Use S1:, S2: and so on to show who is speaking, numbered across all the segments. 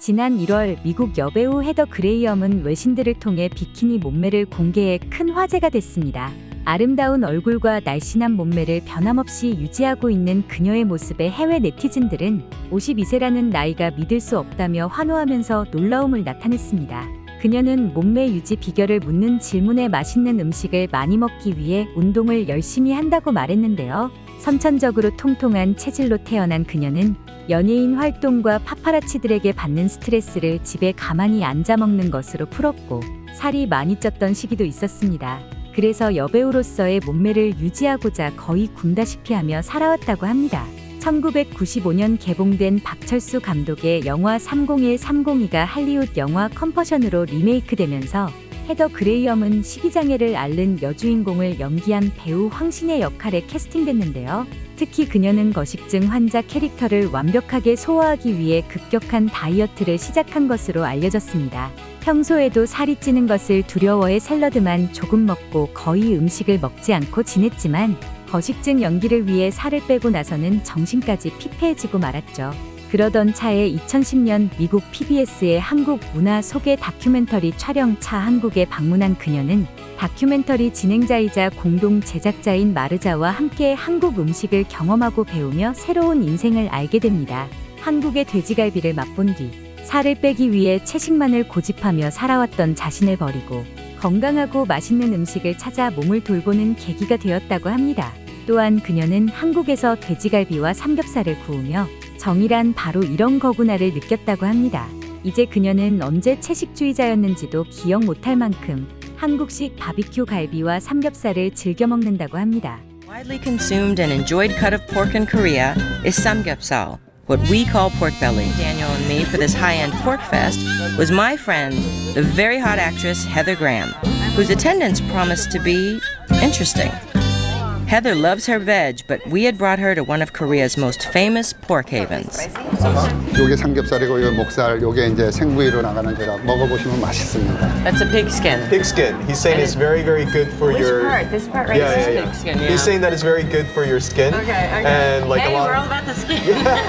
S1: 지난 1월 미국 여배우 헤더 그레이엄은 외신들을 통해 비키니 몸매를 공개해 큰 화제가 됐습니다. 아름다운 얼굴과 날씬한 몸매를 변함없이 유지하고 있는 그녀의 모습에 해외 네티즌들은 52세라는 나이가 믿을 수 없다며 환호하면서 놀라움을 나타냈습니다. 그녀는 몸매 유지 비결을 묻는 질문에 맛있는 음식을 많이 먹기 위해 운동을 열심히 한다고 말했는데요. 선천적으로 통통한 체질로 태어난 그녀는 연예인 활동과 파파라치들에게 받는 스트레스를 집에 가만히 앉아 먹는 것으로 풀었고 살이 많이 쪘던 시기도 있었습니다. 그래서 여배우로서의 몸매를 유지하고자 거의 굶다시피 하며 살아왔다고 합니다. 1995년 개봉된 박철수 감독의 영화 301-302가 할리우드 영화 컴퍼션으로 리메이크되면서 헤더 그레이엄은 식이장애를 앓는 여주인공을 연기한 배우 황신의 역할에 캐스팅됐는데요. 특히 그녀는 거식증 환자 캐릭터를 완벽하게 소화하기 위해 급격한 다이어트를 시작한 것으로 알려졌습니다. 평소에도 살이 찌는 것을 두려워해 샐러드만 조금 먹고 거의 음식을 먹지 않고 지냈지만 거식증 연기를 위해 살을 빼고 나서는 정신까지 피폐해지고 말았죠. 그러던 차에 2010년 미국 PBS의 한국 문화 소개 다큐멘터리 촬영차 한국에 방문한 그녀는 다큐멘터리 진행자이자 공동 제작자인 마르자와 함께 한국 음식을 경험하고 배우며 새로운 인생을 알게 됩니다. 한국의 돼지갈비를 맛본 뒤 살을 빼기 위해 채식만을 고집하며 살아왔던 자신을 버리고 건강하고 맛있는 음식을 찾아 몸을 돌보는 계기가 되었다고 합니다. 또한 그녀는 한국에서 돼지갈비와 삼겹살을 구우며 정이란 바로 이런 거구나를 느꼈다고 합니다. 이제 그녀는 언제 채식주의자였는지도 기억 못할 만큼 한국식 바비큐 갈비와 삼겹살을 즐겨 먹는다고 합니다.
S2: Widely consumed and enjoyed cut of pork in Korea is samgyeopsal, what we call pork belly. Daniel and me for this high-end pork fest was my friend, the very hot actress Heather Graham, whose attendance promised to be interesting. Heather loves her veg, but we had brought her to one of Korea's most famous pork havens.
S3: 요게 삼겹살이고 요 목살, 요게 이제 생부위로 나가는 거라 먹어보시면 맛있습니다.
S2: That's a pig skin.
S4: Pig skin. He's saying it's very, very good for your.
S5: part? This part right
S4: Yeah,
S5: here?
S4: yeah, yeah.
S2: Pig skin, yeah.
S4: He's saying that it's very good for your skin. And like
S2: Hey,
S4: a lot.
S2: we're all about the skin.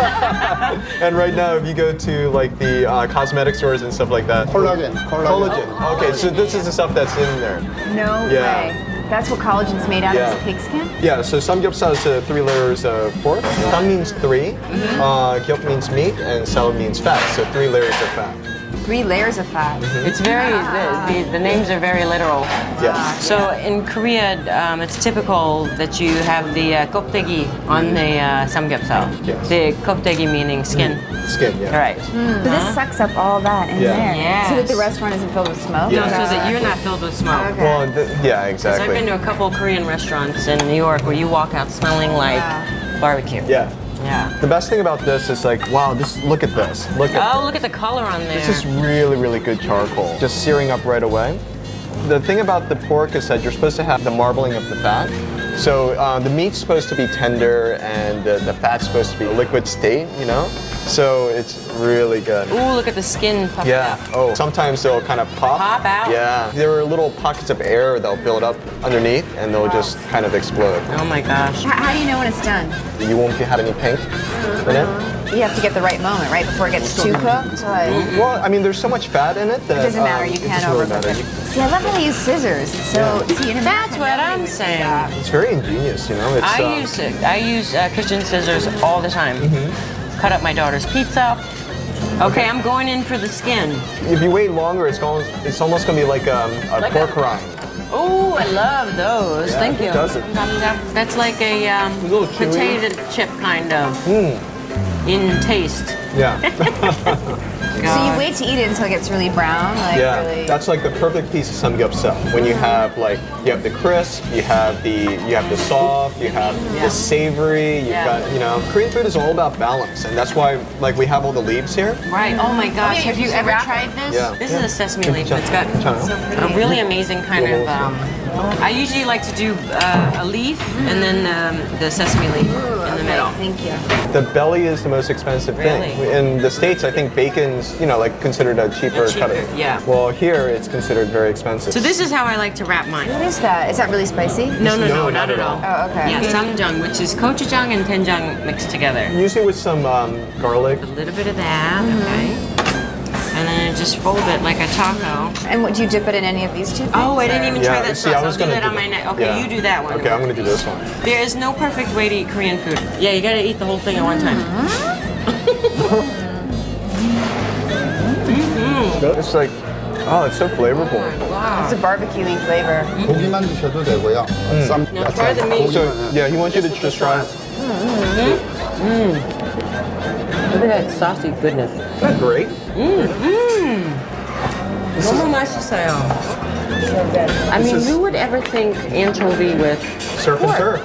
S4: And right now, if you go to like the cosmetic stores and stuff like that.
S3: 콜라겐.
S4: Collagen. Okay, so this is the stuff that's in there.
S5: No
S4: Yeah.
S5: way. That's what collagen's made out
S4: Yeah.
S5: of, is pig skin?
S4: Yeah, so samgyeopsal is 3 layers of pork. Tam means 3, gyeop means meat, and sal means fat. So 3 layers of fat.
S5: 3 layers of fat.
S2: It's very, the names are very literal.
S4: Yes.
S2: So in Korea, it's typical that you have the kopdaegi on the samgyeopsal.
S4: Yes.
S2: The kopdaegi meaning skin.
S4: Skin, yeah.
S2: Right.
S5: So this sucks up all that in
S4: Yeah.
S5: there.
S2: Yes.
S5: So that the restaurant isn't filled with smoke?
S4: Yeah.
S2: So that you're not filled with smoke.
S5: Okay.
S4: Well, yeah,
S2: Because I've been
S4: exactly.
S2: to a couple Korean restaurants in New York where you walk out smelling like barbecue.
S4: Yeah.
S2: Yeah.
S4: The best thing about this is like, wow, just look at this. Look at
S2: Oh, look at the color on there.
S4: This is really, really good charcoal. Just searing up right away. The thing about the pork is that you're supposed to have the marbling of the fat. So the meat's supposed to be tender and the fat's supposed to be a liquid state, you know? So it's really good.
S2: Ooh, look at the skin puffed
S4: Yeah.
S2: out.
S4: Oh, sometimes they'll kind of pop.
S2: Pop out?
S4: Yeah. There are little pockets of air that'll build up underneath and they'll just kind of explode.
S2: Oh my gosh.
S5: How do you know when it's done?
S4: You won't have any pink in it.
S5: You have to get the right moment, right? Before it gets too cooked? Like,
S4: Well, I mean, there's so much fat in it that
S5: it doesn't matter, you
S4: it
S5: can't
S4: doesn't really
S5: overcook
S4: matter.
S5: it. See, I love how they use scissors. It's so, see, in
S2: That's
S5: America,
S2: what
S5: nobody
S2: I'm
S5: would do
S2: saying.
S5: that.
S4: It's very ingenious, you know? It's,
S2: I use kitchen scissors all the time. Cut up my daughter's pizza. Okay, I'm going in for the skin.
S4: If you wait longer, it's almost going to be like a
S2: Like
S4: pork
S2: a-
S4: rind.
S2: Oh, I love those.
S4: Yeah,
S2: Thank
S4: who
S2: you.
S4: doesn't?
S2: That's like a
S4: little chewy.
S2: potato chip kind of in taste.
S4: Yeah.
S5: So you wait to eat it until it gets really brown? Like
S4: Yeah.
S5: really.
S4: That's like the perfect piece of samgyeopsal. When you have you have the crisp, you have the soft, you have the savory, you've
S2: Yeah.
S4: got, Korean food is all about balance, and that's why like we have all the leaves here.
S2: Right. Oh my gosh. Have you ever tried this?
S4: Yeah.
S2: This is a sesame leaf. It's got a really amazing kind of. I usually like to do a leaf and then the sesame leaf in the middle.
S5: Thank you.
S4: The belly is the most expensive thing.
S2: Really?
S4: In the States, I think bacon's, like considered a cheaper
S2: Cheaper,
S4: cut.
S2: yeah.
S4: Well, here it's considered very expensive.
S2: So this is how I like to wrap mine.
S5: What is that? Is that really spicy?
S2: No,
S4: No,
S2: not at all.
S5: Oh, okay.
S2: Yeah, samjang, which is gochujang and doenjang mixed together.
S4: Usually with some garlic.
S2: A little bit of that, okay. just fold it like a taco.
S5: And would you dip it in any of these two things?
S2: Oh, I didn't even try that
S4: see,
S2: sauce.
S4: I was
S2: I'll do
S4: gonna
S2: that on my neck. Okay,
S4: yeah.
S2: you do that one.
S4: Okay, I'm gonna do this one.
S2: There is no perfect way to eat Korean food. Yeah, you gotta eat the whole thing at one time.
S4: It's like, oh, it's so flavorful.
S5: It's a barbecue-y flavor.
S3: 고기만 드셔도 되고요. 쌈
S2: Now try the meat.
S4: So,
S3: 고기만.
S4: yeah, he wants you to just try.
S2: Look at that saucy goodness.
S4: Isn't that great?
S2: 너무 맛있어요. I mean, who would ever think anchovy with
S4: Surf and turf.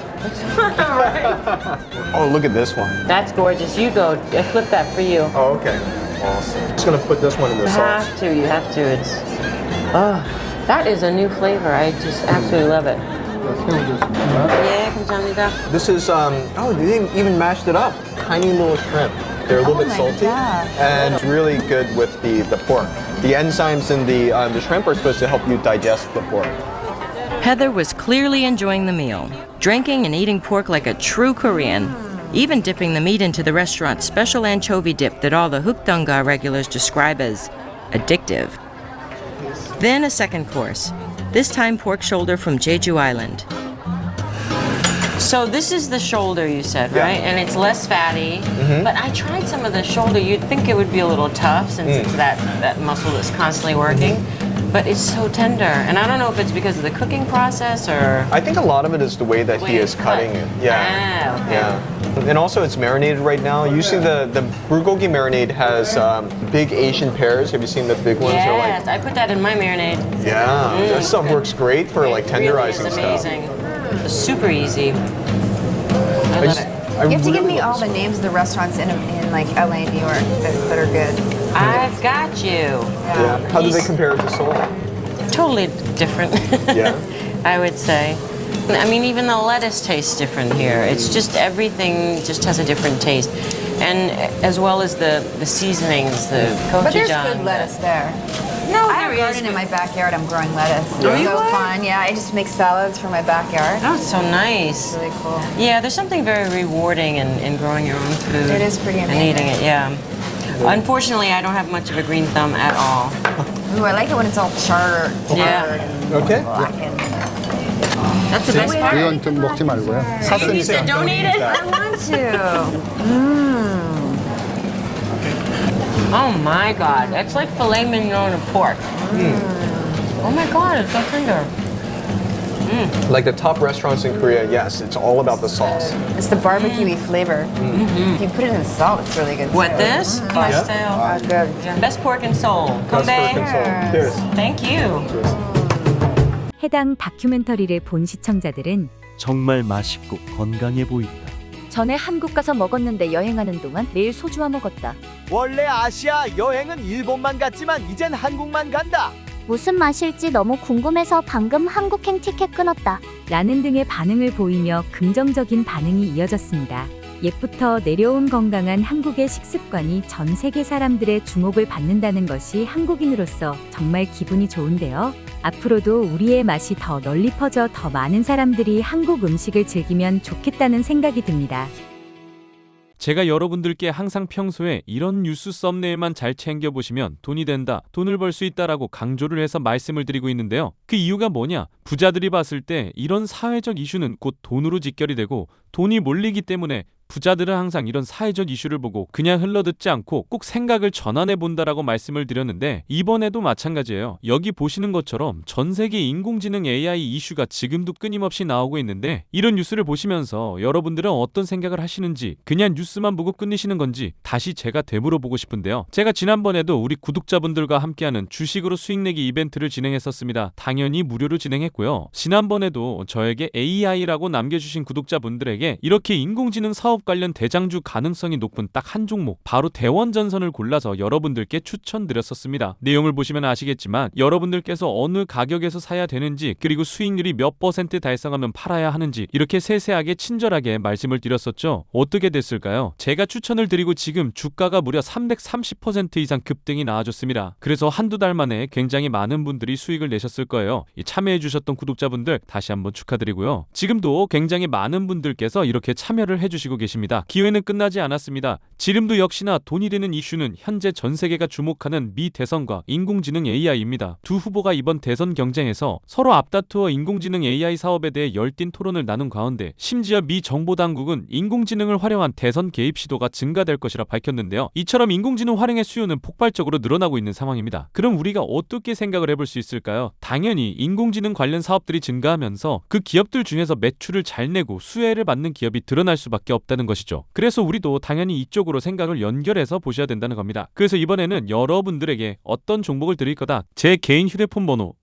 S4: Oh, look at this one.
S2: That's gorgeous. You go. I flip that for you.
S4: Oh, okay. Awesome. Just gonna put this one in the
S2: You
S4: sauce.
S2: have to. You have to. It's. Oh, that is a new flavor. I just absolutely love it. Yeah, 감사합니다.
S4: This is, oh, they even mashed it up. Tiny little shrimp. They're a little bit
S5: my
S4: salty.
S5: gosh.
S4: And it's really good with the pork. The enzymes in the shrimp are supposed to help you digest the pork.
S2: Heather was clearly enjoying the meal, drinking and eating pork like a true Korean, even dipping the meat into the restaurant's special anchovy dip that all the Hukdanga regulars describe as addictive. Then a second course, this time pork shoulder from Jeju Island. So this is the shoulder you said,
S4: Yeah.
S2: right? And it's less fatty. But I tried some of the shoulder. You'd think it would be a little tough since it's that muscle that's constantly working. But it's so tender. And I don't know if it's because of the cooking process or...
S4: I think a lot of it is the way that he
S2: Way
S4: is
S2: it's
S4: cutting
S2: cut.
S4: it. Yeah.
S2: Ah, okay.
S4: Yeah. And also it's marinated right now. Usually the bulgogi marinade has big Asian pears. Have you seen the big ones? They're
S2: Yes, I put that in my marinade.
S4: yeah. That stuff works great for like tenderizing
S2: Really is
S4: stuff.
S2: amazing. It's super easy. I love it.
S5: You have to give me all the names of the restaurants in like LA, New York that are good.
S2: I've got you.
S4: Yeah. How do they compare it to Seoul?
S2: Totally different.
S4: Yeah.
S2: I would say. I mean, even the lettuce tastes different here. It's just everything just has a different taste. And as well as the seasonings, the gochujang.
S5: But there's good lettuce there.
S2: No,
S5: I have
S2: there
S5: a garden
S2: is.
S5: in my backyard. I'm growing lettuce. It's
S2: Oh, you
S5: so
S2: are?
S5: fun. Yeah, I just make salads for my backyard.
S2: Oh, it's so nice.
S5: It's really cool.
S2: Yeah, there's something very rewarding in growing your own food.
S5: It is pretty
S2: And
S5: amazing.
S2: eating it, yeah. Unfortunately, I don't have much of a green thumb at all.
S5: Ooh, I like it when it's all charred.
S2: Yeah.
S5: and
S4: Okay.
S5: blackened.
S2: That's the best part.
S3: 이건 좀 먹지 말고요.
S2: You said don't eat it?
S5: I want to.
S2: Oh my god, that's like filet mignon of pork. Oh my god, it's so tender.
S4: Like the top restaurants in Korea, yes, it's all about the sauce.
S5: It's the barbecue-y flavor. If you put it in salt, it's really good.
S2: What,
S5: too.
S2: this? Pastel.
S5: Oh, good.
S2: Best pork and Seoul.
S4: Best pork
S2: Kobe.
S4: and Seoul. Cheers.
S2: Thank you.
S1: 해당 다큐멘터리를 본 시청자들은
S6: 정말 맛있고 건강해 보인다.
S7: 전에 한국 가서 먹었는데 여행하는 동안 매일 소주와 먹었다.
S6: 원래 아시아 여행은 일본만 갔지만 이젠 한국만 간다.
S7: 무슨 맛일지 너무 궁금해서 방금 한국행 티켓 끊었다.
S1: 라는 등의 반응을 보이며 긍정적인 반응이 이어졌습니다. 옛부터 내려온 건강한 한국의 식습관이 전 세계 사람들의 주목을 받는다는 것이 한국인으로서 정말 기분이 좋은데요. 앞으로도 우리의 맛이 더 널리 퍼져 더 많은 사람들이 한국 음식을 즐기면 좋겠다는 생각이 듭니다.
S8: 제가 여러분들께 항상 평소에 이런 뉴스 썸네일만 잘 챙겨보시면 돈이 된다, 돈을 벌 수 있다라고 강조를 해서 말씀을 드리고 있는데요. 그 이유가 뭐냐? 부자들이 봤을 때 이런 사회적 이슈는 곧 돈으로 직결이 되고 돈이 몰리기 때문에 부자들은 항상 이런 사회적 이슈를 보고 그냥 흘러듣지 않고 꼭 생각을 전환해 본다라고 말씀을 드렸는데 이번에도 마찬가지예요. 여기 보시는 것처럼 전 세계 인공지능 AI 이슈가 지금도 끊임없이 나오고 있는데 이런 뉴스를 보시면서 여러분들은 어떤 생각을 하시는지 그냥 뉴스만 보고 끝내시는 건지 다시 제가 되물어보고 싶은데요. 제가 지난번에도 우리 구독자분들과 함께하는 주식으로 수익 내기 이벤트를 진행했었습니다. 당연히 무료로 진행했고요. 지난번에도 저에게 AI라고 남겨주신 구독자분들에게 이렇게 인공지능 사업 관련 대장주 가능성이 높은 딱 한 종목 바로 대원전선을 골라서 여러분들께 추천드렸었습니다. 내용을 보시면 아시겠지만 여러분들께서 어느 가격에서 사야 되는지 그리고 수익률이 몇 % 달성하면 팔아야 하는지 이렇게 세세하게 친절하게 말씀을 드렸었죠. 어떻게 됐을까요? 제가 추천을 드리고 지금 주가가 무려 330% 이상 급등이 나와줬습니다. 그래서 한두 달 만에 굉장히 많은 분들이 수익을 내셨을 거예요. 참여해주셨던 구독자분들 다시 한번 축하드리고요. 지금도 굉장히 많은 분들께서 이렇게 참여를 해주시고 계십니다. 계십니다. 기회는 끝나지 않았습니다. 지금도 역시나 돈이 되는 이슈는 현재 전 세계가 주목하는 미 대선과 인공지능 AI입니다. 두 후보가 이번 대선 경쟁에서 서로 앞다투어 인공지능 AI 사업에 대해 열띤 토론을 나눈 가운데 심지어 미 정보당국은 인공지능을 활용한 대선 개입 시도가 증가될 것이라 밝혔는데요. 이처럼 인공지능 활용의 수요는 폭발적으로 늘어나고 있는 상황입니다. 그럼 우리가 어떻게 생각을 해볼 수 있을까요? 당연히 인공지능 관련 사업들이 증가하면서 그 기업들 중에서 매출을 잘 내고 수혜를 받는 기업이 드러날 수밖에 없다는 것이죠. 그래서 우리도 당연히 이쪽으로 생각을 연결해서 보셔야 된다는 겁니다. 그래서 이번에는 여러분들에게 어떤 종목을 드릴 거다. 제 개인 휴대폰 번호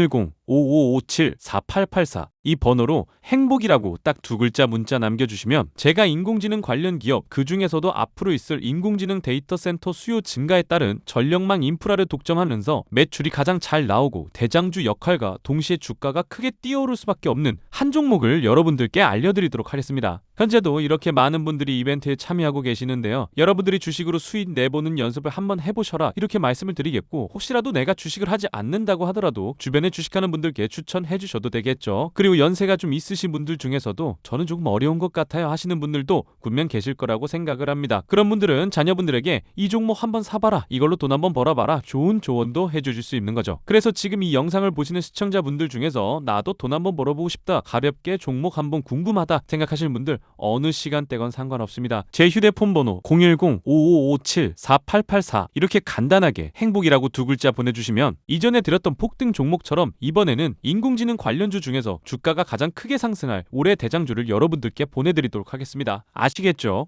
S8: 010-5557-4884 이 번호로 행복이라고 딱 두 글자 문자 남겨주시면 제가 인공지능 관련 기업 그 중에서도 앞으로 있을 인공지능 데이터 센터 수요 증가에 따른 전력망 인프라를 독점하면서 매출이 가장 잘 나오고 대장주 역할과 동시에 주가가 크게 뛰어오를 수밖에 없는 한 종목을 여러분들께 알려드리도록 하겠습니다. 현재도 이렇게 많은 분들이 이벤트에 참여하고 계시는데요. 여러분들이 주식으로 수익 내보는 연습을 한번 해보셔라 이렇게 말씀을 드리겠고, 혹시라도 내가 주식을 하지 않는다고 하더라도 주변에 주식하는 분들께 추천해 주셔도 되겠죠. 그리고 연세가 좀 있으신 분들 중에서도 저는 조금 어려운 것 같아요 하시는 분들도 분명 계실 거라고 생각을 합니다. 그런 분들은 자녀분들에게 이 종목 한번 사봐라, 이걸로 돈 한번 벌어봐라, 좋은 조언도 해주실 수 있는 거죠. 그래서 지금 이 영상을 보시는 시청자분들 중에서 나도 돈 한번 벌어보고 싶다, 가볍게 종목 한번 궁금하다 생각하시는 분들 어느 시간대건 상관없습니다. 제 휴대폰 번호 010-5557-4884 이렇게 간단하게 행복이라고 두 글자 보내주시면 이전에 드렸던 폭등 종목처럼 이번에는 인공지능 관련주 중에서 주가가 가장 크게 상승할 올해 대장주를 여러분들께 보내드리도록 하겠습니다. 아시겠죠?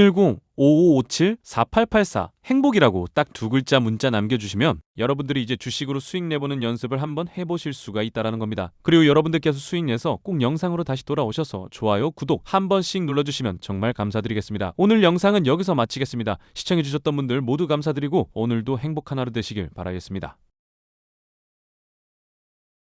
S8: 010-5557-4884 행복이라고 딱 두 글자 문자 남겨주시면 여러분들이 이제 주식으로 수익 내보는 연습을 한번 해보실 수가 있다는 겁니다. 그리고 여러분들께서 수익 내서 꼭 영상으로 다시 돌아오셔서 좋아요, 구독 한 번씩 눌러주시면 정말 감사드리겠습니다. 오늘 영상은 여기서 마치겠습니다. 시청해주셨던 분들 모두 감사드리고 오늘도 행복한 하루 되시길 바라겠습니다.